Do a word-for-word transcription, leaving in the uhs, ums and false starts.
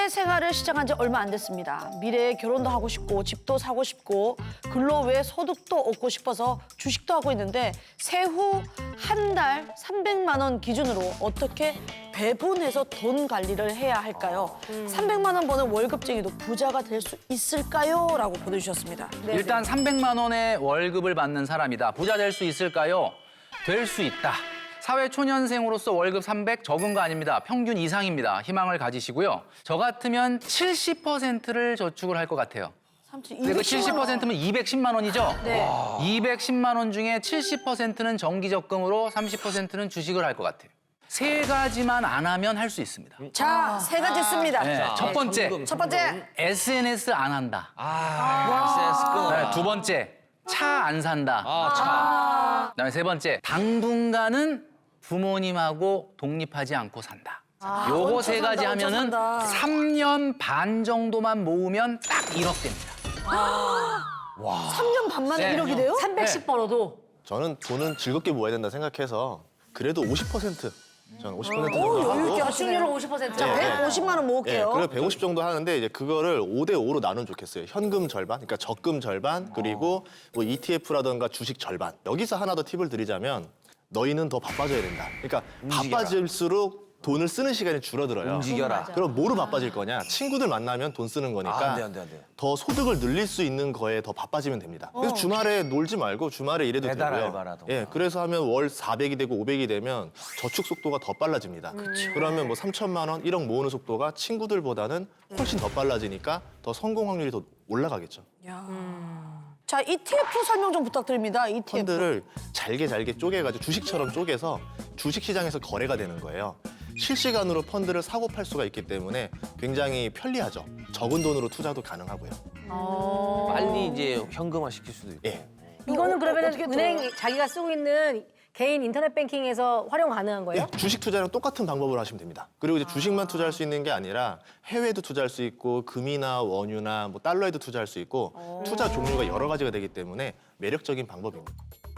사회생활을 시작한 지 얼마 안 됐습니다. 미래에 결혼도 하고 싶고 집도 사고 싶고 근로 외에 소득도 얻고 싶어서 주식도 하고 있는데 세후 한 달 삼백만 원 기준으로 어떻게 배분해서 돈 관리를 해야 할까요? 음. 삼백만 원 버는 월급쟁이도 부자가 될 수 있을까요? 라고 보내주셨습니다. 네. 일단 삼백만 원의 월급을 받는 사람이다. 부자 될 수 있을까요? 될 수 있다. 사회초년생으로서 월급 삼백 적은 거 아닙니다. 평균 이상입니다. 희망을 가지시고요. 저 같으면 칠십 퍼센트를 저축을 할 것 같아요. 근데 그 칠십 퍼센트면 이백십만 원이죠? 네. 이백십만 원 중에 칠십 퍼센트는 정기적금으로 삼십 퍼센트는 주식을 할 것 같아요. 세 가지만 안 하면 할 수 있습니다. 자, 세 가지 씁니다. 네, 첫 번째, 현금, 첫 번째, 에스엔에스 안 한다. 아, 에스엔에스 끊어. 네, 두 번째, 차 안 산다. 아, 차. 그다음에 세 번째, 당분간은 부모님하고 독립하지 않고 산다. 요거 세 얹혀 가지 산다, 얹혀 하면은 산다. 삼 년 반 정도만 모으면 딱 일억 됩니다. 삼 년 반 만에 네. 일억이 돼요? 삼백씩 벌어도 저는 돈은 즐겁게 모아야 된다 생각해서 그래도 오십 퍼센트 저는 오십 퍼센트 정도 오, 여유 하고 있게 저축률은 오십 퍼센트. 자, 백오십만 원 예, 모을게요. 그리고 백오십 정도 하는데 이제 그거를 오 대 오로 나누면 좋겠어요. 현금 절반, 그러니까 적금 절반, 그리고 뭐 이티에프라든가 주식 절반. 여기서 하나 더 팁을 드리자면 너희는 더 바빠져야 된다. 그러니까 움직여라. 바빠질수록 돈을 쓰는 시간이 줄어들어요. 움직여라. 그럼 뭐로 바빠질 거냐? 친구들 만나면 돈 쓰는 거니까 아, 안 돼, 안 돼, 안 돼. 더 소득을 늘릴 수 있는 거에 더 바빠지면 됩니다. 그래서 주말에 놀지 말고 주말에 일해도 배달 되고요. 알바라던가. 예, 그래서 하면 월 사백이 되고 오백이 되면 저축 속도가 더 빨라집니다. 그러면 뭐 삼천만 원, 일억 모으는 속도가 친구들보다는 훨씬 더 빨라지니까 더 성공 확률이 더 올라가겠죠. 자, 이티에프 설명 좀 부탁드립니다. 이티에프. 펀드를 잘게 잘게 쪼개가지고 주식처럼 쪼개서 주식시장에서 거래가 되는 거예요. 실시간으로 펀드를 사고 팔 수가 있기 때문에 굉장히 편리하죠. 적은 돈으로 투자도 가능하고요. 빨리 이제 현금화 시킬 수도 있고. 예. 이거는 그러면 어떻게 은행 들어요? 자기가 쓰고 있는 개인 인터넷 뱅킹에서 활용 가능한 거예요? 예, 주식 투자랑 똑같은 방법으로 하시면 됩니다. 그리고 이제 주식만 투자할 수 있는 게 아니라 해외도 투자할 수 있고 금이나 원유나 뭐 달러에도 투자할 수 있고 투자 종류가 여러 가지가 되기 때문에 매력적인 방법입니다.